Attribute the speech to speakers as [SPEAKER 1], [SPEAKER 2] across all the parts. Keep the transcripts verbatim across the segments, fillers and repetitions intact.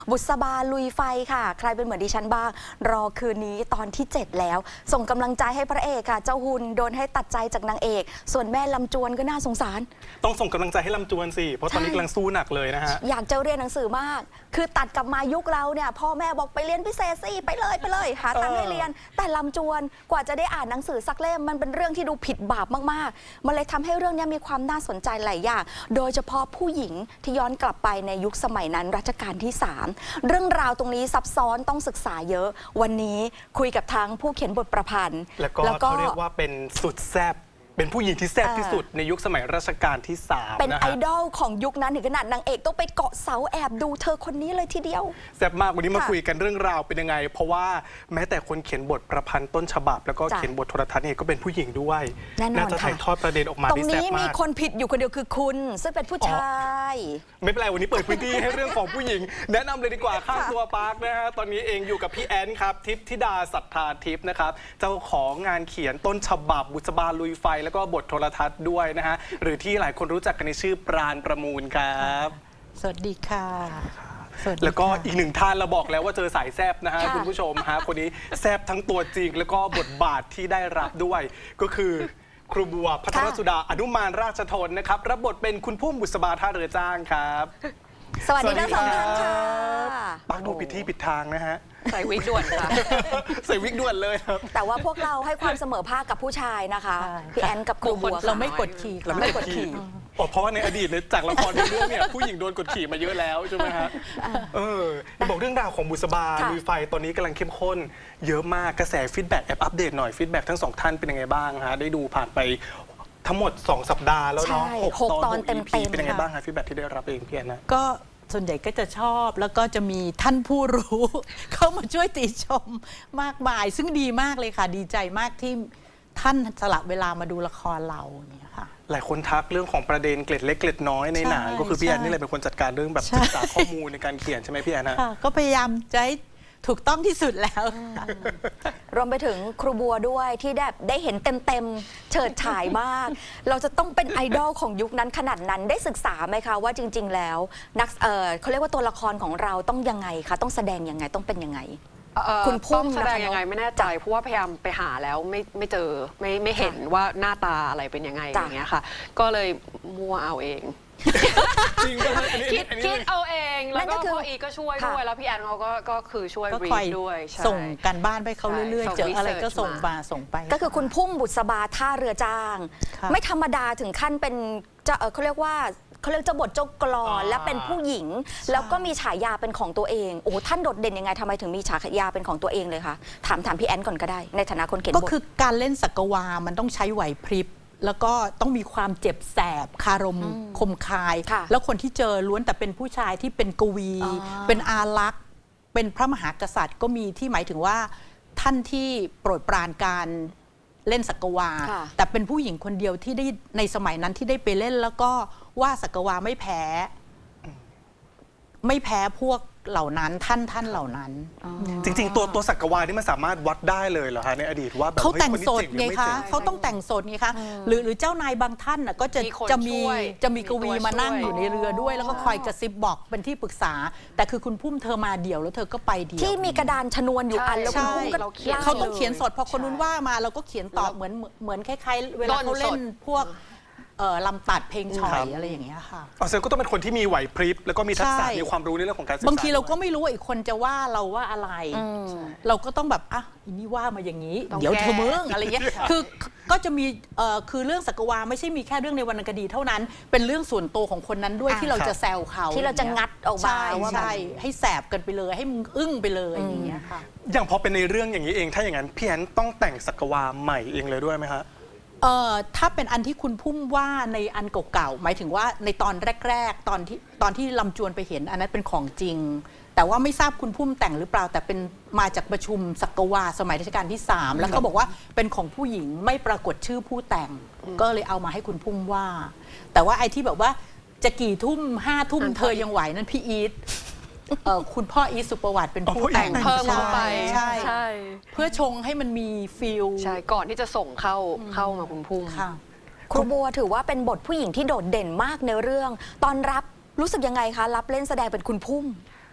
[SPEAKER 1] บุษบาลุยไฟค่ะใครเป็นเหมือนดิฉันบ้างรอคืนนี้ตอนที่เจ็ดแล้วส่งกำลังใจให้พระเอกค่ะเจ้าหุ่นโดนให้ตัดใจจากนางเอกส่วนแม่ลำจวนก็น่าสงสาร
[SPEAKER 2] ต้องส่งกำลังใจให้ลำจวนสิเพราะตอนนี้กำลังสู้หนักเลยนะฮะ
[SPEAKER 1] อยากจะเรียนหนังสือมากคือตัดกลับมายุคเราเนี่ยพ่อแม่บอกไปเรียนพิเศษสิไปเลยไปเลยหาตังค์ให้เรียนแต่ลำจวนกว่าจะได้อ่านหนังสือสักเล่มมันเป็นเรื่องที่ดูผิดบาปมากๆมันเลยทำให้เรื่องนี้มีความน่าสนใจหลายอย่างโดยเฉพาะผู้หญิงที่ย้อนกลับไปในยุคสมัยนั้นรัชกาลที่สามเรื่องราวตรงนี้ซับซ้อนต้องศึกษาเยอะวันนี้คุยกับทั้งผู้เขียนบทประพันธ์
[SPEAKER 2] แล้วก็เขาเรียกว่าเป็นสุดแซ่บเป็นผู้หญิงที่แซ่บที่สุดในยุคสมัยรัชกาลที่สาม
[SPEAKER 1] เป็นไอดอลของยุคนั้นถึงขนาดนางเอกต้องไปเกาะเสาแอบดูเธอคนนี้เลยทีเดียว
[SPEAKER 2] แซ่บมากวันนี้มาคุยกันเรื่องราวเป็นยังไงเพราะว่าแม้แต่คนเขียนบทประพันธ์ต้นฉบับแล้วก็เขียนบทโทรทัศน์เนี่ยก็เป็นผู้หญิงด้วยน่าจะถ่ายทอดประเด็นออกมาได้แซ่บมากตรงนี้
[SPEAKER 1] มีคนผิดอยู่คนเดียวคือคุณซึ่งเป็นผู้ชาย
[SPEAKER 2] ไม่เป็นไรวันนี้เปิดพื้นที่ให้เรื่องของผู้หญิงแนะนำเลยดีกว่าข้างตัวปาร์คนะฮะตอนนี้เองอยู่กับพี่แอนครับทิพย์ธิดาศรัทธาทิพย์นะครับเจ้าของงานเขียนต้นฉบับบุษบาลุยไฟแล้วก็บทโทรทัศน์ด้วยนะฮะหรือที่หลายคนรู้จักกันในชื่อปราณประมูลครับ
[SPEAKER 3] สวัสดีค่ะ
[SPEAKER 2] แล้วก็อีกหนึ่งท่านเราบอกแล้วว่าเจอสายแซบนะฮะคุณผู้ชมฮะคนนี้แซบทั้งตัวจริงแล้วก็บทบาทที่ได้รับด้วยก็คือครูบัวพัทรสุดาอนุมานราชทนนะครับรับบทเป็นคุณพุ่มบุษบาท่าเรือจ้างครับ
[SPEAKER 1] สวัสดีทั้งสองท่านค่ะ
[SPEAKER 2] ปักดูผิดที่ผิดทางนะฮะ
[SPEAKER 4] ใส่วิกด่วนค่ะ
[SPEAKER 2] ใส่วิกด่วนเลยครับ
[SPEAKER 1] แต่ว่าพวกเราให้ความเสมอภาคกับผู้ชายนะคะพี่แอนกับครูบัว
[SPEAKER 3] เราไม่กดขี่
[SPEAKER 2] เราไม่กดขี่เพราะว่าในอดีตจากละครในเรื่องเนี่ยผู้หญิงโดนกดขี่มาเยอะแล้วใช่ไหมฮะเออบอกเรื่องราวของบุษบาลุยไฟตอนนี้กำลังเข้มข้นเยอะมากกระแสฟีดแบ็กแอบอัปเดตหน่อยฟีดแบ็กทั้งสองท่านเป็นยังไงบ้างฮะได้ดูผ่านไปทั้งหมดสองสัปดาห์แล้วเนาะ
[SPEAKER 1] หกตอนเต็มๆ
[SPEAKER 2] เป็นยังไงบ้างฮะฟีดแบ็กที่ได้รับเองพี่แอนนะ
[SPEAKER 3] ก็ส่วนใหญ่ก็จะชอบแล้วก็จะมีท่านผู้รู้ เข้ามาช่วยติชมมากมายซึ่งดีมากเลยค่ะดีใจมากที่ท่านสละเวลามาดูละครเราเนี่ยค่ะ
[SPEAKER 2] หลายคนทักเรื่องของประเด็นเกล็ดเล็กเกล็ดน้อยในหนังก็คือพี่แอนนี่เลยเป็นคนจัดการเรื่องแบบศึกษาข้อมูลในการเขียนใช่ไหมพี่แอนนะ
[SPEAKER 3] ก็พยายามจะถูกต้องที่สุดแล้ว
[SPEAKER 1] รวมไปถึงครูบัวด้วยที่ได้ได้เห็นเต็มๆเฉิดฉายมากเราจะต้องเป็นไอดอลของยุคนั้นขนาดนั้นได้ศึกษาไหมคะว่าจริงๆแล้วนักเอ่อเขาเรียกว่าตัวละครของเราต้องยังไงคะต้องแสดงยังไงต้องเป็นยังไง
[SPEAKER 4] คุณพุ่มแสดงยังไงไม่แน่ใจเพราะว่าพยายามไปหาแล้วไม่ไม่เจอไม่ไม่เห็นว่าหน้าตาอะไรเป็นยังไงอย่างเงี้ยค่ะก็เลยมั่วเอาเองคิดคิดเอาเองแล้วก็พ่ออีก็ช่วยด้วยแล้วพี่แอนเขาก็ก็คือช่วยรีดด้วย
[SPEAKER 3] ส่งกันบ้านไปเขาเรื่อยๆเจออะไรก็ส่งมาส่งไป
[SPEAKER 1] ก็คือคุณพุ่มบุษบาท่าเรือจ้างไม่ธรรมดาถึงขั้นเป็นจะเขาเรียกว่าเขาเรียกจะบทเจ้ากลอนและเป็นผู้หญิงแล้วก็มีฉายาเป็นของตัวเองโอ้ท่านโดดเด่นยังไงทำไมถึงมีฉายาเป็นของตัวเองเลยคะถามถามพี่แอนก่อนก็ได้ในฐานะคนเขียนบท
[SPEAKER 3] ก็คือการเล่นสักวามันต้องใช้ไหวพริบแล้วก็ต้องมีความเจ็บแสบคารมคมคายแล้วคนที่เจอล้วนแต่เป็นผู้ชายที่เป็นกวีเป็นอารักษ์เป็นพระมหากษัตริย์ก็มีที่หมายถึงว่าท่านที่โปรดปรานการเล่นสักวาแต่เป็นผู้หญิงคนเดียวที่ได้ในสมัยนั้นที่ได้ไปเล่นแล้วก็ว่าสักวาไม่แพ้ไม่แพ้พวกเหล่านั้นท่านท่านเหล่านั้น
[SPEAKER 2] จริงๆตัวตัวสักวานี่มันสามารถวัดได้เลยเหรอคะในอดีตว่าแบบ
[SPEAKER 3] เขาแต่งสดไงคะเขาต้องแต่งสดไงคะหรือหรือเจ้านายบางท่านก็จะจะมีจะมีกวีมานั่งอยู่ในเรือด้วยแล้วก็คอยกระซิบบอกเป็นที่ปรึกษาแต่คือคุณพุ่มเธอมาเดี่ยวแล้วเธอก็ไปเดี่ยว
[SPEAKER 1] ที่มีกระดานชนวนอยู่อันแล้วคุณพุ่มก็
[SPEAKER 3] เขาต้องเขียนสดพอคนนู้นว่ามาเราก็เขียนตอบเหมือนเหมือนคล้ายๆเวลาเขาเล่นพวกลำตัดเพลงฉ่อยอะไรอย่างเงี้ยค่ะ
[SPEAKER 2] อ๋อเซลก็ต้องเป็นคนที่มีไหวพริบแล้วก็มีทักษะมีความรู้ในเรื่องของการศึกษา
[SPEAKER 3] บางทีเราก็ไม่รู้ว่าอีกคนจะว่าเราว่าอะไรเราก็ต้องแบบอ่ะอีนี่ว่ามาอย่างนี้เดี๋ยวเธอมึงอะไรเงี้ยคือก็จะมีคือเรื่องสักวาไม่ใช่มีแค่เรื่องในวรรณคดีเท่านั้นเป็นเรื่องส่วนตัวของคนนั้นด้วยที่เราจะแซวเขา
[SPEAKER 1] ที่เราจะงัดออกมา
[SPEAKER 3] ว่าใช่ให้แสบกันไปเลยให้มึงอึ้งไปเลยอย่างเงี้ยค่ะ
[SPEAKER 2] อย่างพอเป็นในเรื่องอย่างนี้เองถ้าอย่างนั้นพี่แอนต้องแต่งสักวาใหม่เองเลยด้วยไหมคะ
[SPEAKER 3] เอ่อถ้าเป็นอันที่คุณพุ่มว่าในอันเก่าๆหมายถึงว่าในตอนแรกๆตอนที่ตอนที่ลำจวนไปเห็นอันนั้นเป็นของจริงแต่ว่าไม่ทราบคุณพุ่มแต่งหรือเปล่าแต่เป็นมาจากประชุมสักวาสมัยรัชกาลที่สามแล้วเขาบอกว่าเป็นของผู้หญิงไม่ปรากฏชื่อผู้แต่งก็เลยเอามาให้คุณพุ่มว่าแต่ว่าไอ้ที่แบบว่าจะกี่ทุ่มห้าทุ่มเธอยังไหวนั่นพี่อีทคุณพ่ออีสุประวัติเป็นผู้แต่ง
[SPEAKER 4] เพิ่มเข้าไป
[SPEAKER 3] ใช่เพื่อชงให้มันมีฟีล
[SPEAKER 4] ใช่ก่อนที่จะส่งเข้าเข้ามาคุณพุ่ม
[SPEAKER 1] ครูบัวถือว่าเป็นบทผู้หญิงที่โดดเด่นมากในเรื่องตอนรับรู้สึกยังไงคะรับเล่นแสดงเป็นคุณพุ่ม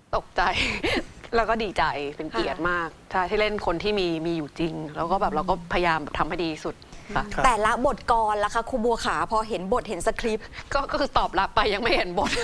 [SPEAKER 4] ตกใจ แล้วก็ดีใจเป็นเกียรติมากใช่ที่เล่นคนที่มีมีอยู่จริง แล้วก็แบบเราก็พยายามทำให้ดีที่สุดค่ะ
[SPEAKER 2] ครับ
[SPEAKER 1] แต่ละบทกรล่ะคะครูบัวขาพอเห็นบทเห็นสคริปต์
[SPEAKER 4] ก็ก็คือตอบรับไปยังไม่เห็นบท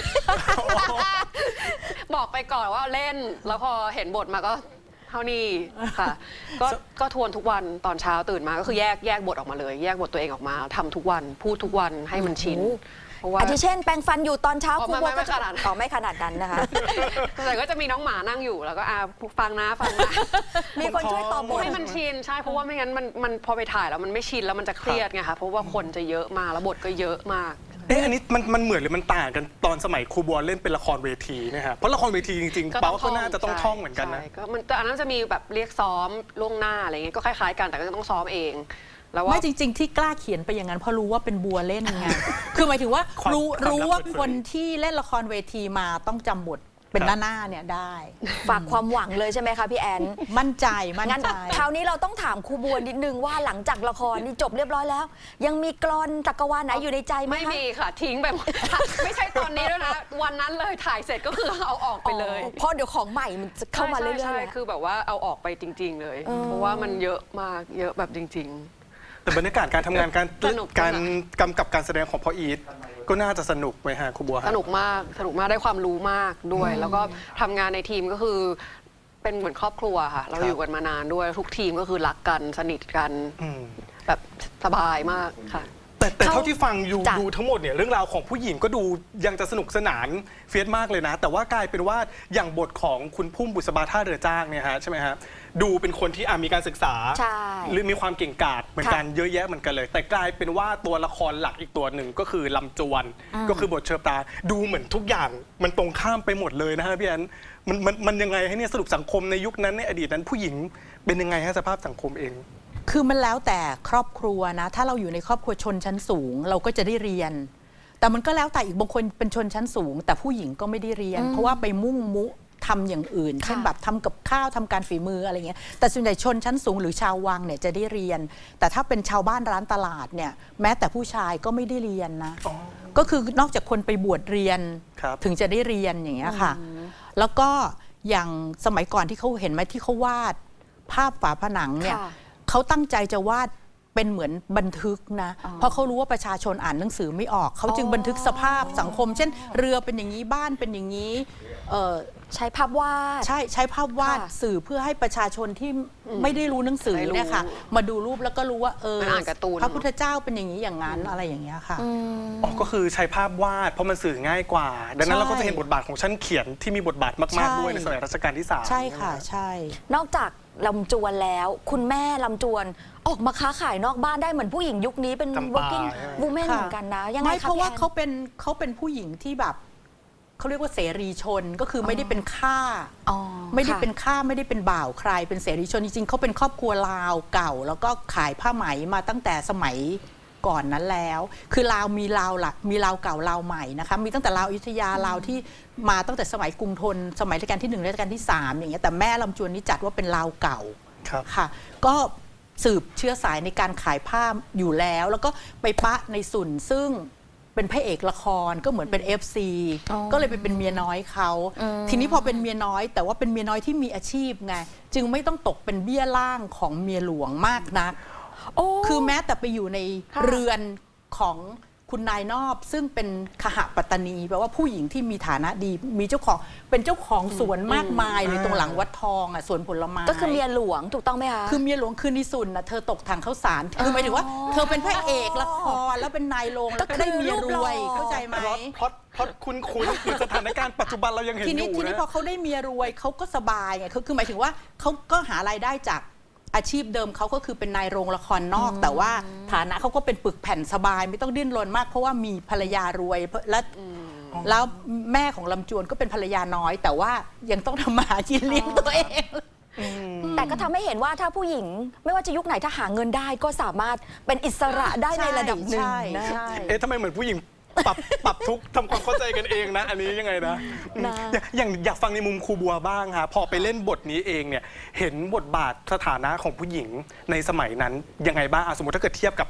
[SPEAKER 4] บอกไปก่อนว่าเล่น แล้วพอเห็นบทมาก็เท่านี้ค่ะ ก็ก็ทวนทุกวันตอนเช้าตื่นมาก็คือแยกแยกบทออกมาเลย แยกบทตัวเองออกมาทำทุกวันพูดทุกวันให้มันชินเพราะว่า
[SPEAKER 1] อาทิเช่น แปรงฟันอยู่ตอนเช้า
[SPEAKER 4] อ๋อ
[SPEAKER 1] ครูบัว
[SPEAKER 4] ไม่ไม่
[SPEAKER 1] ก็จะ
[SPEAKER 4] ขนาดนั้น
[SPEAKER 1] อ๋อไม่ขนาดนั้นนะคะ
[SPEAKER 4] แต่ก็จะมีน้องหมานั่งอยู่แล้วก็อ่าฟังนะฟังนะ
[SPEAKER 1] มีคนช่วยตอบบท
[SPEAKER 4] ให้มันชินใช่เพราะว่าไม่งั้นมันมันพอไปถ่ายแล้วมันไม่ชินแล้วมันจะเครียดไงคะเพราะว่าคนจะเยอะมากแล้วบทก็เยอะมาก
[SPEAKER 2] เอ๊ะอันนี้มันมันเหมือนหรือมันต่างกันตอนสมัยครูบัวเล่นเป็นละครเวทีนะฮะเพราะละครเวทีจริงๆเป้าก็น่าจะต้องท่องเหมือนกันนะ
[SPEAKER 4] ใช่ก็มันแต่อันนั้นจะมีแบบเรียกซ้อมล่วงหน้าอะไรเงี้ยก็คล้ายๆกันแต่ก็จะต้องซ้อมเอง แล้วว่า
[SPEAKER 3] ไม่จริง ๆ ที่กล้าเขียนไปอย่างนั้นเพราะรู้ว่าเป็นบัวเล่นไง คือหมายถึงว่า
[SPEAKER 2] ความ
[SPEAKER 3] รู้
[SPEAKER 2] ความลับ
[SPEAKER 3] รู้ว่า
[SPEAKER 2] เปิดเผย
[SPEAKER 3] คนที่เล่นละครเวทีมาต้องจำบทเป็น
[SPEAKER 2] ครับ
[SPEAKER 3] หน้าๆเนี่ยได้
[SPEAKER 1] ฝากความหวังเลยใช่ไหมคะพี่แอน
[SPEAKER 3] มั่นใจมั่น
[SPEAKER 1] งั้น
[SPEAKER 3] ใจ
[SPEAKER 1] คราวนี้เราต้องถามครูบัวนิดนึงว่าหลังจากละครนี่จบเรียบร้อยแล้ว ยังมีกลอนจักรวาลไหนอยู่ในใจไหม
[SPEAKER 4] ไม่
[SPEAKER 1] คะ
[SPEAKER 4] มีค่ะทิ้งไปหมด ไม่ใช่ตอนนี้ด้วยนะ วันนั้นเลยถ่ายเสร็จก็คือเอาออกไปเลย
[SPEAKER 1] อ๋อเพราะเดี๋ยวของใหม่มันจะเข้ามาเรื่อยๆ
[SPEAKER 4] ใช่
[SPEAKER 1] เลย
[SPEAKER 4] ใช่คือแบบว่าเอาออกไปจริง ๆ เลย
[SPEAKER 1] เออ
[SPEAKER 4] เพราะว่ามันเยอะมากเยอะแบบจริง
[SPEAKER 2] แต่บรรยากาศการทำงานการ
[SPEAKER 4] สนุก
[SPEAKER 2] การ
[SPEAKER 4] สนุก
[SPEAKER 2] กำกับการแสดงของพ่ออีทก็น่าจะสนุกไหมฮะครูบัว
[SPEAKER 4] ๆ
[SPEAKER 2] ฮะ
[SPEAKER 4] สนุกมากสนุกมากได้ความรู้มากด้วย แล้วก็ทำงานในทีมก็คือเป็นเหมือนครอบครัวค่ะ เราอยู่กันมานานด้วยทุกทีมก็คือรักกันสนิทกัน
[SPEAKER 2] อืม
[SPEAKER 4] แบบสบายมากค่ะ
[SPEAKER 2] แต่แต่
[SPEAKER 1] เขา
[SPEAKER 2] เท่าที่ฟังอยู่
[SPEAKER 1] จ้ะ
[SPEAKER 2] ดูทั้งหมดเนี่ยเรื่องราวของผู้หญิงก็ดูยังจะสนุกสนานเฟียสมากเลยนะ แต่ว่ากลายเป็นว่าอย่างบทของคุณพุ่มบุษบาท่าเรือจ้างเนี่ยฮะใช่ไหมฮะดูเป็นคนที่อ่ะมีการศึกษา
[SPEAKER 1] ใช่
[SPEAKER 2] หรือมีความเก่งกาจเหมือนกันเยอะแยะเหมือนกันเลย แต่กลายเป็นว่าตัวละครหลักอีกตัวหนึ่งก็คือลำจวนก็คือบทเชอปตาดูเหมือนทุกอย่างมันตรงข้ามไปหมดเลยนะฮะพี่แอนมันมันมันยังไงให้เนี่ยสรุปสังคมในยุคนั้นในอดีตนั้นผู้หญิงเป็นยังไงฮะสภาพสังคมเอง
[SPEAKER 3] คือมันแล้วแต่ครอบครัวนะ ถ้าเราอยู่ในครอบครัวชนชั้นสูง เราก็จะได้เรียน แต่มันก็แล้วแต่อีกบางคนเป็นชนชั้นสูง แต่ผู้หญิงก็ไม่ได้เรียน เพราะว่าไปมุ่งมุทำอย่างอื่น เช่นแบบทำกับข้าวทำการฝีมืออะไรเงี้ยแต่ส่วนใหญ่ชนชั้นสูงหรือชาววังเนี่ยจะได้เรียน แต่ถ้าเป็นชาวบ้านร้านตลาดเนี่ยแม้แต่ผู้ชายก็ไม่ได้เรียนนะ ก็คือนอกจากคนไปบวชเรียน
[SPEAKER 2] ครับ
[SPEAKER 3] ถึงจะได้เรียนอย่างเงี้ยค่ะ แล้วก็อย่างสมัยก่อนที่เขาเห็นไหมที่เขาวาดภาพฝาผนังเนี่ย
[SPEAKER 1] ค่ะ
[SPEAKER 3] เขาตั้งใจจะวาดเป็นเหมือนบันทึกนะ
[SPEAKER 1] อ๋อ
[SPEAKER 3] เพราะเขารู้ว่าประชาชนอ่านหนังสือไม่ออก เขาจึง
[SPEAKER 1] อ๋อ
[SPEAKER 3] บันทึกสภาพสังคม เช่น เรือเป็นอย่างนี้บ้านเป็นอย่างนี้เอ่อ
[SPEAKER 1] ใช้ภาพวาด
[SPEAKER 3] ใช่ใช้ภาพวาด
[SPEAKER 1] ค่ะ
[SPEAKER 3] สื่อเพื่อให้ประชาชนที่ไม่ได้รู้หนังสือ
[SPEAKER 4] ได้รู้
[SPEAKER 3] เนี่ยค่ะมาดูรูปแล้วก็รู้ว่าเออ
[SPEAKER 4] มันอ่านการ์ตูน
[SPEAKER 3] พระพุทธเจ้าเป็นอย่างนี้อย่างนั้นอะไรอย่างเงี้ยค่ะ
[SPEAKER 2] อ๋อก็คือใช้ภาพวาดเพราะมันสื่อง่ายกว่า ดังนั้น
[SPEAKER 3] ใช่
[SPEAKER 2] เราก็จะเห็นบทบาทของชั้นเขียนที่มีบทบาทมาก
[SPEAKER 3] ใช่
[SPEAKER 2] ๆด้วยในสมัยรัชกาลที่สาม
[SPEAKER 3] ใช่ค่ะใช่
[SPEAKER 1] นอกจากลำจวนแล้ว คุณแม่ลำจวนออกมาค้าขายนอกบ้านได้เหมือนผู้หญิงยุคนี้เป็น
[SPEAKER 2] จำปา
[SPEAKER 1] working
[SPEAKER 2] ใช่ไหม
[SPEAKER 1] woman
[SPEAKER 3] ค่ะ
[SPEAKER 1] เหมือนกันนะ ยังไง
[SPEAKER 3] ไม่
[SPEAKER 1] คะ
[SPEAKER 3] เพราะว่า
[SPEAKER 1] พี่แอน
[SPEAKER 3] เขาเป็นเขาเป็นผู้หญิงที่แบบเขาเรียกว่าเสรีชนก็คือไม่ได้เป็นข้า
[SPEAKER 1] อ๋อ
[SPEAKER 3] ไม่ได้
[SPEAKER 1] ค่ะ
[SPEAKER 3] เป็นข้าไม่ได้เป็นบ่าวใคร เป็นเสรีชนจริงๆเขาเป็นครอบครัวลาวเก่า แล้วก็ขายผ้าไหมมาตั้งแต่สมัยก่อนนั้นแล้ว คือลาวมีลาวหลักมีลาวเก่าลาวใหม่นะคะมีตั้งแต่ลาวอยุธยาลาวที่มาตั้งแต่สมัยกรุงธนสมัยรัชกาลที่หนึ่งรัชกาลที่สามอย่างเงี้ยแต่แม่ลำจวนนี่จัดว่าเป็นลาวเก่า
[SPEAKER 2] ครับ
[SPEAKER 3] ค่ะก็สืบเชื้อสายในการขายผ้าอยู่แล้ว แล้วก็ไปปะในสุนซึ่งเป็นพระเอกละครก็เหมือนเป็น เอฟ ซี
[SPEAKER 1] อ๋อ
[SPEAKER 3] ก็เลยไปเป็นเมียน้อยเขา
[SPEAKER 1] อืม
[SPEAKER 3] ทีนี้พอเป็นเมียน้อย แต่ว่าเป็นเมียน้อยที่มีอาชีพไงจึงไม่ต้องตกเป็นเบี้ยล่างของเมียหลวงมากนัก
[SPEAKER 1] โอ้
[SPEAKER 3] คือแม้แต่ไปอยู่ใน
[SPEAKER 1] ค่ะ
[SPEAKER 3] เรือนของคุณนายนอบ ซึ่งเป็นขหปัตตานีแปลว่าผู้หญิงที่มีฐานะดี มีเจ้าของเป็นเจ้าของสวนมากมายเลยตรงหลังวัดทองอ่ะสวนผลไม้
[SPEAKER 1] ก็คือเมียหลวงถูกต้องไหมคะ
[SPEAKER 3] คือเมียหลวงคือนิสุนนะเธอตกถังข้าวสารคือหมายถึงว่า เธอเป็นพระเอกละครแล้วเป็นนายโรงแล้วก็ได้เมียรวยเข้าใจไหม
[SPEAKER 2] พล็อตพล็อตพล็อตคุ้นคุ้นๆคือสถานการณ์ปัจจุบันเรายังเห็น
[SPEAKER 3] ที
[SPEAKER 2] อ
[SPEAKER 3] นี้
[SPEAKER 2] ยู่
[SPEAKER 3] ทีนี้
[SPEAKER 2] นะ
[SPEAKER 3] พอเขาได้เมียรวยเขาก็สบายไงคือคือหมายถึงว่าเขาก็หารายได้จากอาชีพเดิมเขาก็คือเป็นนายโรงละครนอก แต่ว่าฐานะเขาก็เป็นปึกแผ่นสบาย ไม่ต้องดิ้นรนมากเพราะว่ามีภรรยารวยและแล้วแม่ของลำจวนก็เป็นภรรยาน้อย แต่ว่ายังต้องทำมาหากินเลี้ยงตัวเอง
[SPEAKER 1] แต่ก็ทำให้เห็นว่าถ้าผู้หญิงไม่ว่าจะยุคไหนถ้าหาเงินได้ก็สามารถเป็นอิสระได้ในระดับหนึ่ง
[SPEAKER 3] ใช่
[SPEAKER 1] นะ
[SPEAKER 3] ใช่
[SPEAKER 2] เอ๊ะทำไมเหมือนผู้หญิงปรับปรับทุกข์ทำความเข้าใจกันเองนะ อันนี้ยังไงนะอืม
[SPEAKER 1] นะ
[SPEAKER 2] อย่างอยากฟังในมุมครูบัวบ้างค่ะพอไปเล่นบทนี้เองเนี่ยเห็นบทบาทสถานะของผู้หญิงในสมัยนั้นยังไงบ้างอ่ะสมมติถ้าเกิดเทียบกับ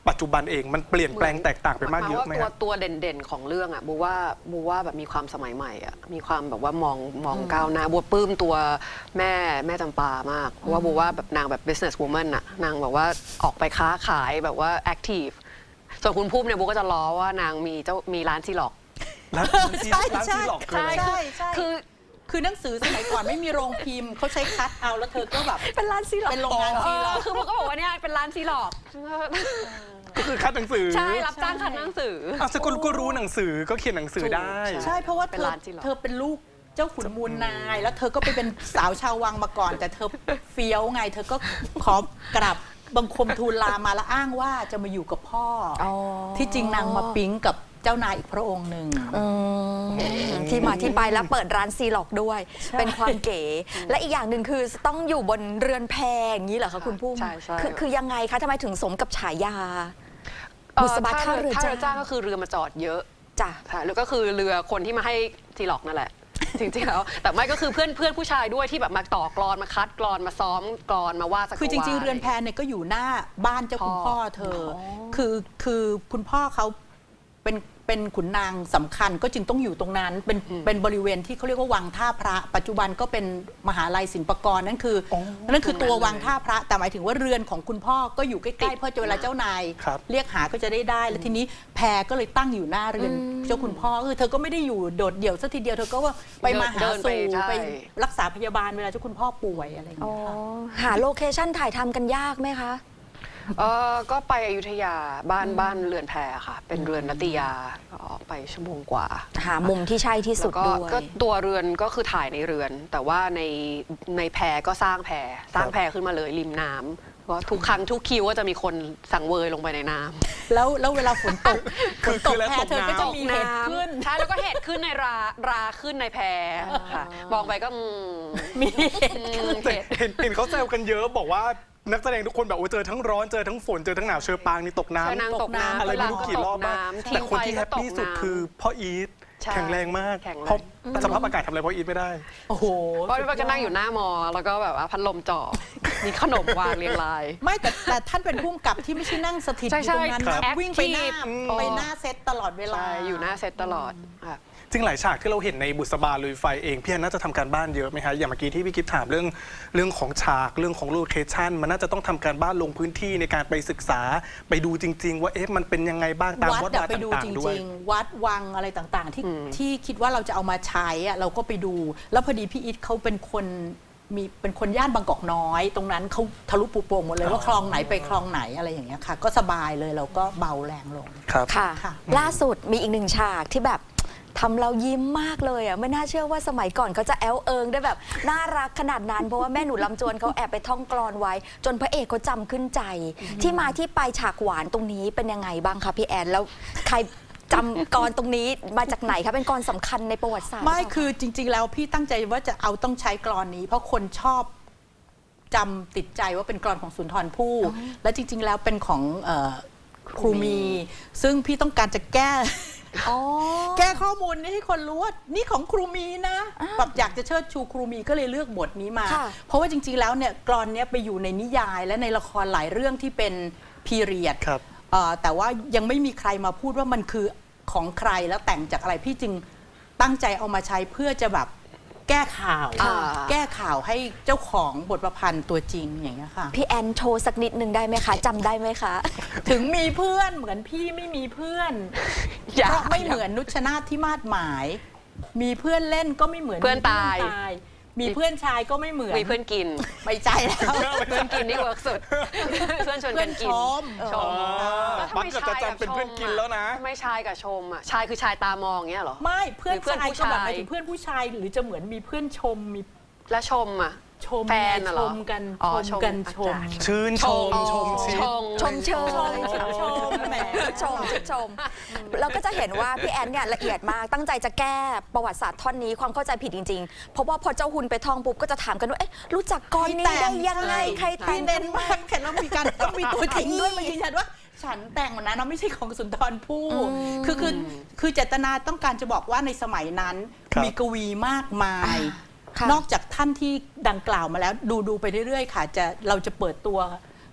[SPEAKER 2] ปัจจุบันเองมันเปลี่ยนแปลงแตกต่างไปมากเยอะไหม
[SPEAKER 4] ตัว
[SPEAKER 2] ครับ
[SPEAKER 4] ตัวเด่นๆของเรื่องอ่ะบูว่าบูว่าแบบมีความสมัยใหม่อ่ะมีความแบบว่ามองมองก้าวหน้าบูปลื้มตัวแม่แม่จำปามากเพราะว่าบูว่าแบบนางแบบ business woman อ่ะนางแบบว่าออกไปค้าขายแบบว่า active ส่วนคุณพุ่มเนี่ยบูก็จะล้อว่านางมีเจ้ามีร้านซีล็อก
[SPEAKER 2] ร้านซี
[SPEAKER 3] ใช่
[SPEAKER 2] ร้าน
[SPEAKER 3] ใช่
[SPEAKER 2] ซีหลอกคือ
[SPEAKER 3] ใช่
[SPEAKER 2] อะไร
[SPEAKER 3] ใช่ใช่
[SPEAKER 4] คือ
[SPEAKER 3] คือหนังสือสมัยก่อนไม่มีโรงพิมพ์เขาใช้คัดเอาแล้วเธอก็แบบ
[SPEAKER 1] เป็นร้านซีหลอก
[SPEAKER 3] เป็นโรงงาน
[SPEAKER 4] เอ
[SPEAKER 3] ซีหล
[SPEAKER 4] อ
[SPEAKER 3] อก
[SPEAKER 4] คือบูก็บอกว่าเนี่ยเป็นร้านซีล็อก
[SPEAKER 2] ก็คือคัดหนังสือ
[SPEAKER 4] ใช่รับจ้างคัดหนังสือ
[SPEAKER 2] อ้าวสกุลก็รู้หนังสือก็เขียนหนังสือได้
[SPEAKER 3] ใช่เพราะว่า
[SPEAKER 4] เป็น
[SPEAKER 3] เธอ
[SPEAKER 4] ร้านจริงเหรอ
[SPEAKER 3] เธอเป็นลูกเจ้าขุนมูลนาย แล้วเธอก็ไปเป็นสาวชาววังมาก่อน แต่เธอเฟี้ยวไง เธอก็ขอกราบบังคมทูลลามาแล้วอ้างว่าจะมาอยู่กับพ่ออ
[SPEAKER 1] อ๋อ
[SPEAKER 3] ที่จริงนางมาปิ๊งกับเจ้านายอีกพระองค์หนึ่ง
[SPEAKER 1] อืมที่มาที่ไปแล้วเปิดร้านซีล็อกด้วย
[SPEAKER 3] ใช่
[SPEAKER 1] เป็นความเก๋ และอีกอย่างหนึ่งคือต้องอยู่บนเรือนแพอย่างนี้เหรอคะคุณพุ่ม
[SPEAKER 4] ใช่ใช่
[SPEAKER 1] คือคือยังไงคะทำไมถึงสมกับฉายา
[SPEAKER 4] เอ่อ
[SPEAKER 1] บุษบาท่าเรือ
[SPEAKER 4] ท่า
[SPEAKER 1] จ้า
[SPEAKER 4] เรือจ้าก็คือเรือมาจอดเยอะ
[SPEAKER 1] จ้ะ
[SPEAKER 4] ค่ะแล้วก็คือเรือคนที่มาให้ซีล็อกนั่นแหละ จริงๆแล้วแต่ไม่ก็คือเพื่อนเพื่อนผู้ชายด้วยที่แบบมาต่อกรอนมาคัดกรอนมาซ้อมกรอนมาว่าดสกวา
[SPEAKER 3] คือจริง ๆ เรือนแพเนี่ยก็อยู่หน้าบ้านเจ้าคุณ
[SPEAKER 4] พ่
[SPEAKER 3] พ่
[SPEAKER 4] อ
[SPEAKER 3] อเธออคือคือคุณพ่อเขาเป็นเป็นขุนนางสำคัญก็จึงต้องอยู่ตรงนั้นเป็นเป็นบริเวณที่เขาเรียกว่าวังท่าพระ ปัจจุบันก็เป็นมหาลัยศิลปากรนั่นคืออนั่นคือตัววังท่าพระ แต่หมายถึงว่าเรือนของคุณพ่อก็อยู่ใกล้ๆเพราะเวลาเจ้านาย
[SPEAKER 2] ครับ
[SPEAKER 3] เรียกหาก็จะได้ได้ แล้วทีนี้แพรก็เลยตั้งอยู่หน้าเรือนเจ้าคุณพ่อคือเธอก็ไม่ได้อยู่โดดเดี่ยวสักทีเดียวเธอก็ว่าไปมาหา
[SPEAKER 4] เดินไป
[SPEAKER 3] สู่
[SPEAKER 4] ใช่
[SPEAKER 3] ไปรักษาพยาบาลเวลาเจ้าคุณพ่อป่วยอะไรอย่าง
[SPEAKER 1] อ๋อ
[SPEAKER 3] เงี้ยค่ะ
[SPEAKER 1] หาโลเคชั่นถ่ายทำกันยากไหมคะ
[SPEAKER 4] เออก็ไปอยุธยาบ้านบ้านเรือนแพค่ะ เป็นเรือนนัตติยาก็ไปชั่วโมงกว่า
[SPEAKER 1] หามุมที่ใช่ที่สุ
[SPEAKER 4] แล้
[SPEAKER 1] ด
[SPEAKER 4] วก็
[SPEAKER 1] ด้วย
[SPEAKER 4] ก็ตัวเรือนก็คือถ่ายในเรือน แต่ว่าในในแพก็สร้างแพสร้างแพขึ้นมาเลยริมน้ำเพราะทุกครั้งทุกคิวก็จะมีคนสังเวยลงไปในน้ำ
[SPEAKER 3] แล้วแล้วเวลาฝนตกฝ
[SPEAKER 2] คือน
[SPEAKER 3] ต
[SPEAKER 2] คื
[SPEAKER 3] ก
[SPEAKER 2] อแล้ว
[SPEAKER 3] แพ
[SPEAKER 2] ตก
[SPEAKER 3] เธอก็
[SPEAKER 2] น้ำ
[SPEAKER 3] จะมีเห็ดขึ้น
[SPEAKER 4] ใช่แล้วก็เห็ดขึ้นในราราขึ้นในแพค่ะมองไปก็อืม
[SPEAKER 3] มีเห็ด
[SPEAKER 4] อืม
[SPEAKER 2] แต่
[SPEAKER 4] เห็ด
[SPEAKER 2] เห็นเห็นเขาแซวกันเยอะบอกว่านักแสดงทุกคนแบบโอ้เจอทั้งร้อนเจอทั้งฝนเจอทั้งหนาวเชอปางนี่ตกน้ำ
[SPEAKER 4] ใช่นางตกน้ำ
[SPEAKER 2] อะไรไม่รู้กี่รอบบ้าง
[SPEAKER 4] ตกน้ำ
[SPEAKER 2] แต่คนที่
[SPEAKER 4] ทิ้ง
[SPEAKER 2] แฮ
[SPEAKER 4] ไป
[SPEAKER 2] ปปี้สุด
[SPEAKER 4] ก็ตกน้ำ
[SPEAKER 2] คือพ่ออีท
[SPEAKER 4] ใช่
[SPEAKER 2] แข็งแรงมาก
[SPEAKER 4] แข็งแรง
[SPEAKER 2] เพราะสภาพอากาศทำอะไรพ่ออีทไม่ได้
[SPEAKER 3] โอ้โห
[SPEAKER 4] เพราะพี่ก็นั่งอยู่หน้ามอ แล้วก็แบบว่าพัดลมจ่อ มีขนมวางเรียงราย
[SPEAKER 3] ไม่แต่แต่ท่านเป็นผู้กำกับที่ไม่ใช่นั่งสถิตอ
[SPEAKER 4] ใช่
[SPEAKER 3] ยู่ตรงนั้น
[SPEAKER 4] ใช่
[SPEAKER 3] นะครับ วิ่งไปหน้า
[SPEAKER 4] active
[SPEAKER 3] ไปหน้าเซตตลอดเวลา
[SPEAKER 4] ใช่อยู่หน้าเซตตลอดค่ะ
[SPEAKER 2] จริงหลายฉากที่เราเห็นในบุษบาลุยไฟเองพี่แอนน่าจะทำการบ้านเยอะไหมคะอย่างเมื่อกี้ที่พี่กิฟถามเรื่องเรื่องของฉากเรื่องของโลเคชั่นมันน่าจะต้องทำการบ้านลงพื้นที่ในการไปศึกษาไปดูจริง ๆ ว่าเอ๊ะมันเป็นยังไงบ้างตาม
[SPEAKER 3] วัด
[SPEAKER 2] วัด
[SPEAKER 3] อะ
[SPEAKER 2] วา
[SPEAKER 3] ไปดู
[SPEAKER 2] ต่า
[SPEAKER 3] จ
[SPEAKER 2] งๆด้วย
[SPEAKER 3] ริง ๆ วัดวังอะไรต่างๆ ที่
[SPEAKER 4] อืม
[SPEAKER 3] ที่คิดว่าเราจะเอามาใช้อะเราก็ไปดู แล้วพอดีพี่อิทเขาเป็นคนมีเป็นคนย่านบางกอกน้อย ตรงนั้นเขาทะลุปูโป่งหมดเลยว่าคลองไหนไปคลองไหนอะไรอย่างเงี้ยค่ะ ก็สบายเลยเราก็เบาแรงลง
[SPEAKER 2] ครับ
[SPEAKER 1] ค่ะ
[SPEAKER 3] ค่ะ
[SPEAKER 1] ล่าสุดมีอีกหนึ่งฉากที่แบบทำเรายิ้มมากเลยอ่ะไม่น่าเชื่อว่าสมัยก่อนเขาจะแอลเอิงได้แบบน่ารักขนาดนั้น เพราะว่าแม่หนูลำจวนเขาแอบไปท่องกลอนไว้ จนพระเอกเขาจำขึ้นใจ ที่มาที่ไปฉากหวานตรงนี้เป็นยังไงบ้างคะพี่แอนแล้วใครจำกรตรงนี้มาจากไหนคะเป็นกรสำคัญในประวัติศาสตร์
[SPEAKER 3] ไม่
[SPEAKER 1] หรืเปล่า
[SPEAKER 3] คือจริง ๆ แล้วพี่ตั้งใจว่าจะเอาต้องใช้กรอนนี้ เพราะคนชอบจำติดใจว่าเป็นกรอนของสุนทรภู่และจริง ๆ แล้วเป็นของเอ่อครูมี ซึ่งพี่ต้องการจะแก้
[SPEAKER 1] อ๋อ
[SPEAKER 3] แก้ข้อมูลนี้ให้คนรู้ว่านี่ของครูมีนะแบบอยากจะเชิดชูครูมีก็เลยเลือกบทนี้มา
[SPEAKER 1] ค่ะ
[SPEAKER 3] เพราะว่าจริง ๆ แล้วเนี่ยกรอนเนี้ยไปอยู่ในนิยายและในละครหลายเรื่องที่เป็นพีเรียด
[SPEAKER 2] ครับ
[SPEAKER 3] แต่ว่ายังไม่มีใครมาพูดว่ามันคือของใครแล้วแต่งจากอะไรพี่จึงตั้งใจเอามาใช้เพื่อจะแบบแก้ข่าว
[SPEAKER 4] อ่า
[SPEAKER 3] แก้ข่าวให้เจ้าของบทประพันธ์ตัวจริงอย่างเงี้ยค่ะ
[SPEAKER 1] พี่แอนโชว์สักนิดหนึ่งได้ไหมคะจำได้ไหมคะ
[SPEAKER 3] ถึงมีเพื่อนเหมือนพี่ไม่มีเพื่อน
[SPEAKER 4] อย่า
[SPEAKER 3] เพราะไม่เหมือนนุชนาธที่มาดหมาย มีเพื่อนเล่นก็ไม่เหมือน
[SPEAKER 4] เพื่อนตาย
[SPEAKER 3] มีมีเพื่อนชายก็ไม่เหมือน
[SPEAKER 4] มีเพื่อนกิน
[SPEAKER 3] ไม่ใจแล้ว
[SPEAKER 4] เพื่อนกินนี่เวิร์กสุด เพื่อนชวนกันกิน
[SPEAKER 3] เพื่อนชม
[SPEAKER 4] ชม
[SPEAKER 2] อ๋อ
[SPEAKER 4] แล้วทำ
[SPEAKER 2] บั
[SPEAKER 4] ไม
[SPEAKER 2] กกับ
[SPEAKER 4] ชาย
[SPEAKER 2] จั
[SPEAKER 4] กับ
[SPEAKER 2] นเป็น
[SPEAKER 4] ช
[SPEAKER 2] เพื่อน
[SPEAKER 4] ม
[SPEAKER 2] กินแล้วนะ
[SPEAKER 4] ทำไม่ชายกับชมอ่ะชายคือชายตามองเงี้ยเหรอ
[SPEAKER 3] ไม่เพื่อน
[SPEAKER 4] หรือเพื่อน
[SPEAKER 3] ชาย
[SPEAKER 4] ผู้
[SPEAKER 3] ก็แบบ
[SPEAKER 4] ชาย
[SPEAKER 3] หมายถึงเพื่อนผู้ชายหรือจะเหมือนมีเพื่อนชมมี
[SPEAKER 4] และชมอ่ะ
[SPEAKER 3] ชม
[SPEAKER 4] แฟนน่ะเหร
[SPEAKER 3] ช
[SPEAKER 4] อ
[SPEAKER 3] มกัน
[SPEAKER 4] อ๋อ
[SPEAKER 3] ชมกัน
[SPEAKER 4] ช
[SPEAKER 3] ช
[SPEAKER 4] ม
[SPEAKER 3] ม
[SPEAKER 4] อาจารย์
[SPEAKER 2] ชื่นชมชมชิ
[SPEAKER 4] ชม
[SPEAKER 1] ชมเชย
[SPEAKER 3] ชมชมแหม
[SPEAKER 1] ชมชมชมเราก็จะเห็นว่าพี่แอนเนี่ยละเอียดมากตั้งใจจะแก้ประวัติศาสตร์ท่อนนี้ความเข้าใจผิดจริงๆ เพราะว่าพอเจ้าหุนไปท่องปุ๊บก็จะถามกันว่าเอ๊ะรู้จักกรนี้ได้ยังไงใครแต่
[SPEAKER 3] พี่
[SPEAKER 1] ง
[SPEAKER 3] เน้นมากแค่ต้องมีการต้องมีตัวจริงด้วยมายืนยันว่า ฉันแต่งมันนะเนาะไม่ใช่ของสุนทรภู่คือคือคือเจตนาต้องการจะบอกว่าในสมัยนั้น
[SPEAKER 2] ครับ
[SPEAKER 3] มีกวีมากมาย
[SPEAKER 1] ค่ะ
[SPEAKER 3] นอกจากท่านที่ดังกล่าวมาแล้วดูดูไปเรื่อยๆ ค่ะจะเราจะเปิดตัว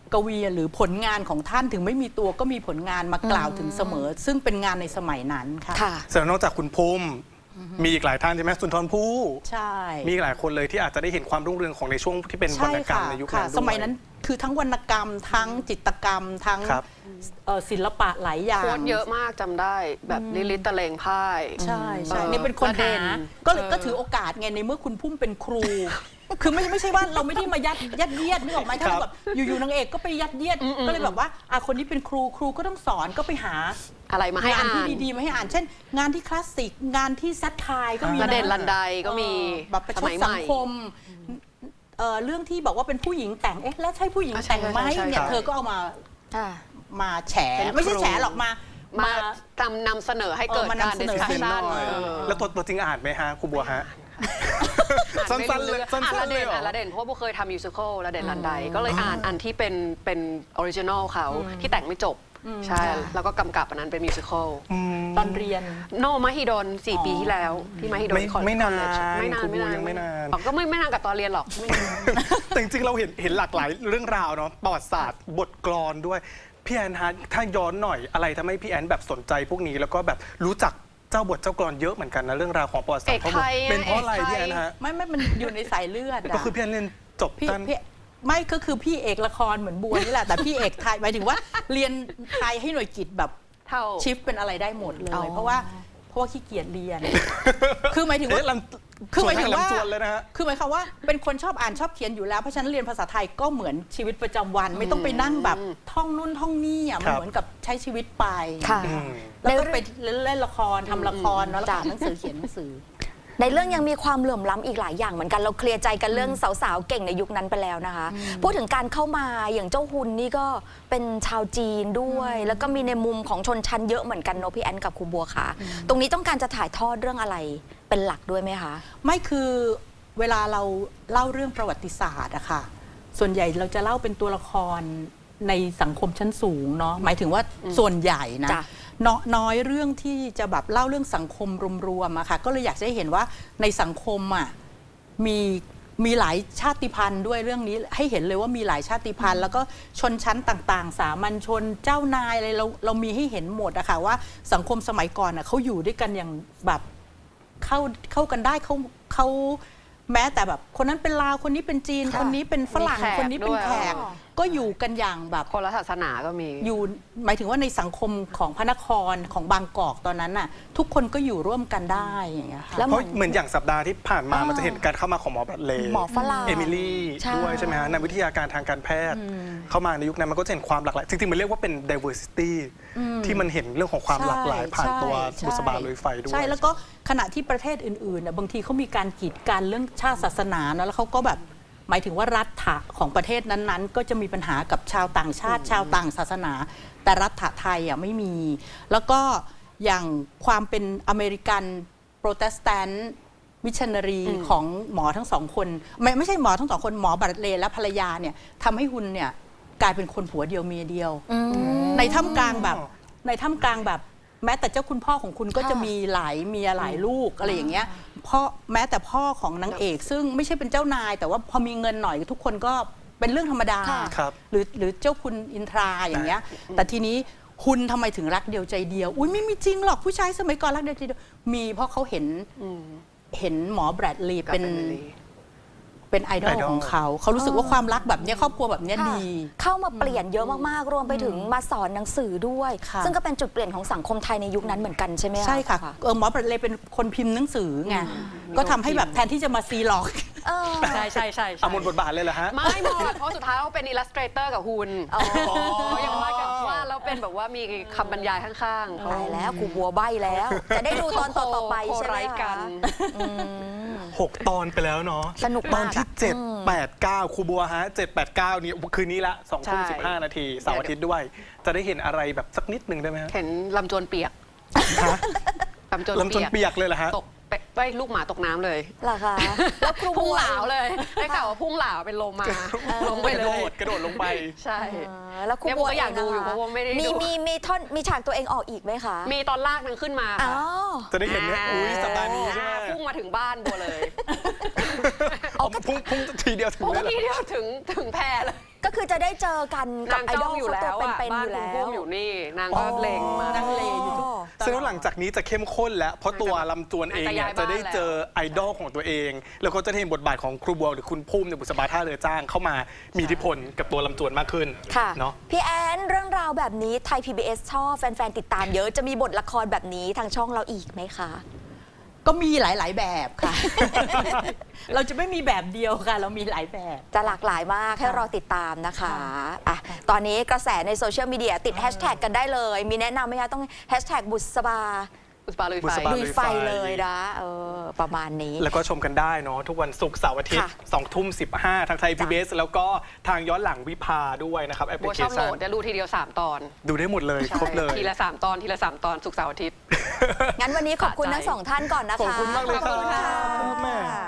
[SPEAKER 3] กวีหรือผลงานของท่านถึงไม่มีตัวก็มีผลงานมากล่าวถึงเสมอ ซึ่งเป็นงานในสมัยนั้นค่ะ
[SPEAKER 1] ค่ะ
[SPEAKER 2] แสดงนอกจากคุณภูมิมีอีกหลายท่านใช่ไหมสุนทรภู่
[SPEAKER 3] ใช่
[SPEAKER 2] มีอีกหลายคนเลยที่อาจจะได้เห็นความรุ่งเรืองของในช่วงที่เป็นวร
[SPEAKER 3] ใช่
[SPEAKER 2] รณกรรม
[SPEAKER 3] ค่ะ
[SPEAKER 2] ในยุค
[SPEAKER 3] ค่ะ
[SPEAKER 2] นั้นด้วย
[SPEAKER 3] สมัยนั้นคือทั้งวรรณกรรม ทั้งจิตรกรรม ทั้ง
[SPEAKER 2] ครับ
[SPEAKER 3] เอ่อศิลปะหลายอย่าง
[SPEAKER 4] โค้ดเยอะมากจำได้แบบลิลิตตะเลงพ่าย
[SPEAKER 3] ใช่ใช่
[SPEAKER 4] เออ
[SPEAKER 3] นี่เป็นคน
[SPEAKER 4] ประเด็
[SPEAKER 3] หาน ก็เลย
[SPEAKER 4] เออ
[SPEAKER 3] ก็ถือโอกาสไงในเมื่อคุณพุ่มเป็นครู คือไม่ไม่ใช่ว่าเราไม่ได้มายัดยัดเยียดนึกออกไหมถ้าเราแบบอยู่ๆนางเอกก็ไปยัดเยียดก็เลยแบบว่าอ่ะคนนี้เป็นครูครูก็ต้องสอนก็ไปหา
[SPEAKER 4] อะไรมาให้
[SPEAKER 3] งาน
[SPEAKER 4] อ่า
[SPEAKER 3] ที่
[SPEAKER 4] น
[SPEAKER 3] ดีๆมาให้อ่าน เช่น งานที่คลาสสิกงานที่ซัดทายก็มี
[SPEAKER 4] ระเด็น
[SPEAKER 3] นะ
[SPEAKER 4] ลันไดก็มี
[SPEAKER 3] เออแบบประช
[SPEAKER 4] ส
[SPEAKER 3] ด
[SPEAKER 4] มัยให
[SPEAKER 3] สัง
[SPEAKER 4] ม่
[SPEAKER 3] คมเอ่อเรื่องที่บอกว่าเป็นผู้หญิงแต่งเอ๊ะแล้วใช่ผู้หญิง
[SPEAKER 4] อ่ะใช่
[SPEAKER 3] แต่งไหม
[SPEAKER 4] ใช่ใช่
[SPEAKER 3] เนี่ย
[SPEAKER 4] ใช่
[SPEAKER 3] เธอก็เอามา
[SPEAKER 1] ค่ะ
[SPEAKER 3] มาแฉ
[SPEAKER 4] เป็น
[SPEAKER 3] ไม่ใช่
[SPEAKER 4] ครู
[SPEAKER 3] แฉหรอกมา
[SPEAKER 4] มาทำนำเสนอให้เกิด
[SPEAKER 3] เออมานำ
[SPEAKER 4] การ
[SPEAKER 3] เสนอ
[SPEAKER 4] ดิสคัช
[SPEAKER 2] เป็น
[SPEAKER 4] ชัน
[SPEAKER 2] หน่อยแล้วตัวตัวจริงอ่านไหมฮะครูบัวฮะ สั้นๆเลยสั้
[SPEAKER 4] อ่าน
[SPEAKER 2] น
[SPEAKER 4] ละ
[SPEAKER 2] ๆเล
[SPEAKER 4] เด่
[SPEAKER 2] ย
[SPEAKER 4] น
[SPEAKER 2] เหรอ
[SPEAKER 4] อ่านละเด่นเพราะว่าโบเคยทำมิวสิควลละเด่นลันไดก็เลยอ่านอันที่เป็นเป็นออริจินอลเขาที่แต่งไม่จบ ใช่ แล้วก็กำกับอันนั้นเป็นมิวสิควล
[SPEAKER 3] ตอนเรียน
[SPEAKER 4] โนมหิดลสี่
[SPEAKER 3] อ๋อ
[SPEAKER 4] ปีที่แล้วที่มหิดล
[SPEAKER 2] ไม่
[SPEAKER 4] คอล
[SPEAKER 2] ไม่นาน
[SPEAKER 4] คอลเลจไม่นาน
[SPEAKER 2] ครู
[SPEAKER 4] ไม่นาน
[SPEAKER 2] ยังไม่นาน
[SPEAKER 4] อ๋อก็ไม่ไม่นานกับตอนเรียนหรอกไม่นาน
[SPEAKER 2] แต่จริงๆเราเห็นเห็นหลากหลายเรื่องราวเนาะประวัติศาสตร์บทกลอนด้วยพี่แอนฮะถ้าย้อนหน่อยอะไรทำให้พี่แอนแบบสนใจพวกนี้แล้วก็แบบรู้จักเจ้าบทเจ้ากลอนเยอะเหมือนกันนะเรื่องราวของประวัติศาสตร์
[SPEAKER 4] เอกไทย
[SPEAKER 2] เป็นเพราะอะไร
[SPEAKER 4] เอกไทย
[SPEAKER 2] พี่แอนฮะ
[SPEAKER 3] ไม่ไม่มันอยู่ในสายเลือดะ
[SPEAKER 2] ก็คือพี่แอนเรียนจบ
[SPEAKER 3] พี่
[SPEAKER 2] ด้าน
[SPEAKER 3] พี่ไม่ก็คือพี่เอกละครเหมือนบัวนี่แหละ แต่พี่เอกไทยหมายถึงว่าเรียนไทยให้หน่วยกิจแบบ
[SPEAKER 4] เท่า
[SPEAKER 3] ชิฟเป็นอะไรได้หมดเล
[SPEAKER 1] อ๋อ
[SPEAKER 3] ย เพราะว่าเพราะว่าขี้เกียจเรียน คือหมายถึงว่า
[SPEAKER 2] เอ๊ะลำ
[SPEAKER 3] คือหมายถึงว่า
[SPEAKER 2] ลำจวนเลยนะฮะ
[SPEAKER 3] คือหมายความว่าเป็นคนชอบอ่านชอบเขียนอยู่แล้วเพราะฉะนั้นเรียนภาษาไทยก็เหมือนชีวิตประจำวัน ไม่ต้องไปนั่งแบบท่องนู่นท่องนี่อ่ะมัน
[SPEAKER 2] ครับ
[SPEAKER 3] เหมือนกับใช้ชีวิตไป
[SPEAKER 1] ค่ะ
[SPEAKER 2] อืม
[SPEAKER 3] แล้วก็ไปเล่นละครทำละครเนาะแล้วอ่านหนังสือเขียนหนังสือ
[SPEAKER 1] ในเรื่องยังมีความเหลื่อมล้ำอีกหลายอย่างเหมือนกันเราเคลียร์ใจกันเรื่องสาวๆเก่งในยุคนั้นไปแล้วนะคะ พูดถึงการเข้ามาอย่างเจ้าฮุนนี่ก็เป็นชาวจีนด้วย แล้วก็มีในมุมของชนชั้นเยอะเหมือนกันเนอะพี่แอนกับครูบัวค่ะ ตรงนี้ต้องการจะถ่ายทอดเรื่องอะไรเป็นหลักด้วยไหมคะ
[SPEAKER 3] ไม่คือเวลาเราเล่าเรื่องประวัติศาสตร์อะค่ะส่วนใหญ่เราจะเล่าเป็นตัวละครในสังคมชั้นสูงเนาะหมายถึงว่าส่วนใหญ่นะ
[SPEAKER 1] จ้ะ
[SPEAKER 3] เนาะน้อยเรื่องที่จะแบบเล่าเรื่องสังคมรวมๆอะค่ะก็เลยอยากจะให้เห็นว่าในสังคมอะมีมีหลายชาติพันธุ์ด้วยเรื่องนี้ให้เห็นเลยว่ามีหลายชาติพันธุ์ แล้วก็ชนชั้นต่างๆ สามัญชนเจ้านายอะไรเราเรามีให้เห็นหมดอะค่ะว่าสังคมสมัยก่อนอะเขาอยู่ด้วยกันอย่างแบบเข้าเข้ากันได้เขาเขาแม้แต่แบบคนนั้นเป็นลาวคนนี้เป็นจีน
[SPEAKER 1] ค่ะ
[SPEAKER 3] คนนี้เป็นฝรั่ง
[SPEAKER 4] มีแขก
[SPEAKER 3] คนนี้เป็น
[SPEAKER 4] ด้วย
[SPEAKER 3] แขก
[SPEAKER 4] อ๋อ
[SPEAKER 3] ก็อยู่กันอย่างแบบ
[SPEAKER 4] คนละศาสนาก็มี
[SPEAKER 3] อยู่หมายถึงว่าในสังคมของพระนครของบางกอกตอนนั้นน่ะทุกคนก็อยู่ร่วมกันได้อย่างเงี้ยค่ะ
[SPEAKER 1] แล้ว
[SPEAKER 2] เพราะเหมือนอย่างสัปดาห์ที่ผ่านมา
[SPEAKER 1] อ่ามั
[SPEAKER 2] มันจะเห็นการเข้ามาของหมอบัตเลย์
[SPEAKER 1] หมอฝรั่ง
[SPEAKER 2] เอมิลี่
[SPEAKER 1] ใช่
[SPEAKER 2] ด้วยใช่ไหมฮะนักวิทยาการทางการแพทย์ เข้ามาในยุคนั้นมันก็จะเห็นความหลากหลายจริงๆมันเรียกว่าเป็น diversity ที่มันเห็นเรื่องของความหลากหลายผ่านตัว
[SPEAKER 3] ใช่
[SPEAKER 2] บุษบาลุยไฟด้วย
[SPEAKER 3] ใช่แล้วก็ขณะที่ประเทศอื่นๆน่ะบางทีเขามีการกีดกันเรื่องชาติศาสนานะแล้วเขาก็แบบหมายถึงว่ารัฐะของประเทศนั้นๆ ก็จะมีปัญหากับชาวต่างชาติ ชาวต่างศาสนา แต่รัฐะไทยอ่ะไม่มี แล้วก็อย่างความเป็นอเมริกันโปรเตสแตนต์มิชชันนารีของหมอทั้งสองคนไม่ไม่ใช่หมอทั้งสองคนหมอบัตเลย์และภรรยาเนี่ยทำให้ฮุนเนี่ยกลายเป็นคนผัวเดียวเมียเดียว ในท่ามกลางแบบในท่ามกลางแบบแม้แต่เจ้าคุณพ่อของคุณก็
[SPEAKER 1] ค่ะ
[SPEAKER 3] จะมีหลายเมียหลายลูกอะไรอย่างเงี้ยพ่อแม้แต่พ่อของนางเอก ซึ่งไม่ใช่เป็นเจ้านาย แต่ว่าพอมีเงินหน่อยทุกคนก็เป็นเรื่องธรรมดา
[SPEAKER 1] ค่ะ
[SPEAKER 2] ครับ
[SPEAKER 3] หรือหรือเจ้าคุณอินทราอย่างเงี้ยแต่ทีนี้คุณทำไมถึงรักเดียวใจเดียวอุ้ยไม่มีจริงหรอกผู้ชายสมัยก่อนรักเดียวใจเดียวมีเพราะเขาเห็นเห็นหมอแบรดลีย์
[SPEAKER 4] กับ
[SPEAKER 3] เป็น
[SPEAKER 4] Emily
[SPEAKER 3] เป็นไอดอล
[SPEAKER 2] ไอดอล
[SPEAKER 3] ของเขาเขารู้สึกว่าความรักแบบเนี้ยครอบครัวแบบเนี้ย
[SPEAKER 1] ค่ะ
[SPEAKER 3] ดี
[SPEAKER 1] เข้ามาเปลี่ยนเยอะมากๆ รวมไปถึงมาสอนหนังสือด้วย
[SPEAKER 3] ค่ะ
[SPEAKER 1] ซึ่งก็เป็นจุดเปลี่ยนของสังคมไทยในยุคนั้นเหมือนกันใช่ไหมคะ
[SPEAKER 3] ใช่ค่ะเออหมอปลาเลยเป็นคนพิมพ์หนังสือไงก็ทำให้แบบแทนที่จะมาซีล็อก
[SPEAKER 1] เออ
[SPEAKER 4] ใช่ใช่ใช่
[SPEAKER 2] เอาหมดบทบาทเลยเหรอฮะ
[SPEAKER 4] ไม่หมดเพราะสุดท้ายเขาเป็นอิลลัสเตรเตอร์กับฮุน
[SPEAKER 1] อ๋อ
[SPEAKER 4] เขายังว่ากันว่าแล้วเป็นแบบว่ามีคำบรรยายข้างๆเขา
[SPEAKER 1] ตายแล้วครูบัวใบแล้ว จะได้ดูตอนต่อๆไป
[SPEAKER 4] โค
[SPEAKER 1] ใช่ไหม
[SPEAKER 4] ไร้กั
[SPEAKER 1] คะ
[SPEAKER 4] น
[SPEAKER 1] อืม
[SPEAKER 2] หกตอนไปแล้วเนาะ
[SPEAKER 1] สนุก
[SPEAKER 2] ตอ
[SPEAKER 1] มาน ก
[SPEAKER 2] ที่
[SPEAKER 1] อะ
[SPEAKER 2] เจ็ด
[SPEAKER 1] อืม
[SPEAKER 2] แปดเก้าครูบัวฮะเจ็ดแปดเก้านี่คืนนี้ละสองทุ่ม
[SPEAKER 4] ใช่
[SPEAKER 2] สิบห้านาทีเสาร์อาทิตย์ด้วย จะได้เห็นอะไรแบบสักนิดหนึ่งได้ไหมฮะ
[SPEAKER 4] เห็นลำจวนเปียก
[SPEAKER 2] ฮะ
[SPEAKER 4] ลำจวน
[SPEAKER 2] ลำจนเปียกเลยเหรอฮะ
[SPEAKER 4] ตกไปไปลูกหมาตกน้ำเลย
[SPEAKER 1] เหรอคะแล้วครู
[SPEAKER 4] พุ่ง
[SPEAKER 1] บัว
[SPEAKER 4] เหลาเลยได้ข่าวว่าพุ่งเหลาเป็นลมมาลงไป
[SPEAKER 2] กระ
[SPEAKER 4] เล
[SPEAKER 2] โด
[SPEAKER 4] ย
[SPEAKER 2] ดกระโดดลงไป
[SPEAKER 4] ใช่
[SPEAKER 1] เออแล้วครู
[SPEAKER 4] เนี่ย
[SPEAKER 1] บัว
[SPEAKER 4] ผมก็อยากดูอยู่
[SPEAKER 1] งนค
[SPEAKER 4] เพราะว่าไม่ได้ดู
[SPEAKER 1] มีมีมีท่อนมีฉากตัวเองออกอีกไหมคะ
[SPEAKER 4] มีตอนลากนางขึ้นมา
[SPEAKER 1] อ๋อ
[SPEAKER 4] ค่ะ
[SPEAKER 2] จะได้เห็นเนี่ยอุ้ยสัปดาห์นี้ใช่ไหม
[SPEAKER 4] พุ่งมาถึงบ้านบัวเลย
[SPEAKER 1] อ๋อ
[SPEAKER 2] เอาพุ่งพุ่งทีเดียวถึง
[SPEAKER 4] โอ้
[SPEAKER 2] เลยเหรอ
[SPEAKER 4] ทีเดียวถึงถึงแพรเลย
[SPEAKER 1] ก็คือจะได้เจอกันกับ
[SPEAKER 4] นาง
[SPEAKER 1] ไอ
[SPEAKER 4] จ้
[SPEAKER 1] ด
[SPEAKER 4] อ
[SPEAKER 1] อง ล
[SPEAKER 4] อยู่
[SPEAKER 1] เขา
[SPEAKER 4] แล้
[SPEAKER 1] ตัว
[SPEAKER 4] วอ่ะ
[SPEAKER 1] เป็นๆ
[SPEAKER 4] บ้า
[SPEAKER 1] อน ยู่
[SPEAKER 4] คุณ
[SPEAKER 1] แล้
[SPEAKER 4] พุ่
[SPEAKER 1] ว
[SPEAKER 4] มอยู่นี่นางก็เล็งมา
[SPEAKER 3] นางเลอยู่ทุก
[SPEAKER 2] ซึ่งหลังจากนี้จะเข้มข้นแล้ว เพราะตัวลำจวนเองเนี่ย
[SPEAKER 4] จะย้ายบ้าน
[SPEAKER 2] จะได้เจอไอดอลของตัวเอง แล้วก็จะได้เห็นบทบาทของครูบัวหรือคุณพุ่มในบุษบาท่าเรือจ้างเข้ามามีอิทธิพลกับตัวลำจวนมากขึ้น
[SPEAKER 1] ค่ะ
[SPEAKER 2] เนาะ
[SPEAKER 1] พี่แอนเรื่องราวแบบนี้ไทย พี บี เอส ชอบแฟน ๆ ติดตามเยอะจะมีบทละครแบบนี้ทางช่องเราอีกไหมคะ
[SPEAKER 3] ก็มีหลาย ๆ แบบค่ะ เราจะไม่มีแบบเดียวค่ะ เรามีหลายแบบ
[SPEAKER 1] จะหลากหลายมากให้รอติดตามนะคะอ่ะตอนนี้กระแสในโซเชียลมีเดียติดแฮชแท็กกันได้เลย มีแนะนำไหมคะต้องแฮชแท็กบุษบา
[SPEAKER 4] บุษบาลุย
[SPEAKER 2] บุ
[SPEAKER 4] ไฟ
[SPEAKER 2] ษบา
[SPEAKER 1] ลุยไฟเลยนะเออประมาณนี้
[SPEAKER 2] แล้วก็ชมกันได้เนาะทุกวันศุกร์เสาร์อาทิตย์
[SPEAKER 1] ค่ะ
[SPEAKER 2] สองทุ่มสิบห้าทางไทย พี บี เอส แล้วก็ทางย้อนหลังวิภาด้วยนะครับแอปพ
[SPEAKER 4] บั
[SPEAKER 2] ลิ
[SPEAKER 4] ว
[SPEAKER 2] เค
[SPEAKER 4] ชอบโหล
[SPEAKER 2] ชัน
[SPEAKER 4] ดจะดูทีเดียวสามตอน
[SPEAKER 2] ดูได้หมดเลยครบเลย
[SPEAKER 4] ทีละสามตอนทีละสามตอนศุกร์เสาร์อาทิตย์
[SPEAKER 1] งั้นวันนี้ขอบคุณ
[SPEAKER 4] สะใจ
[SPEAKER 1] ทั้งสองท่านก่อนนะคะ
[SPEAKER 2] ขอบคุณมากเลยครับ
[SPEAKER 1] ขอบคุณค่ะ
[SPEAKER 2] แม่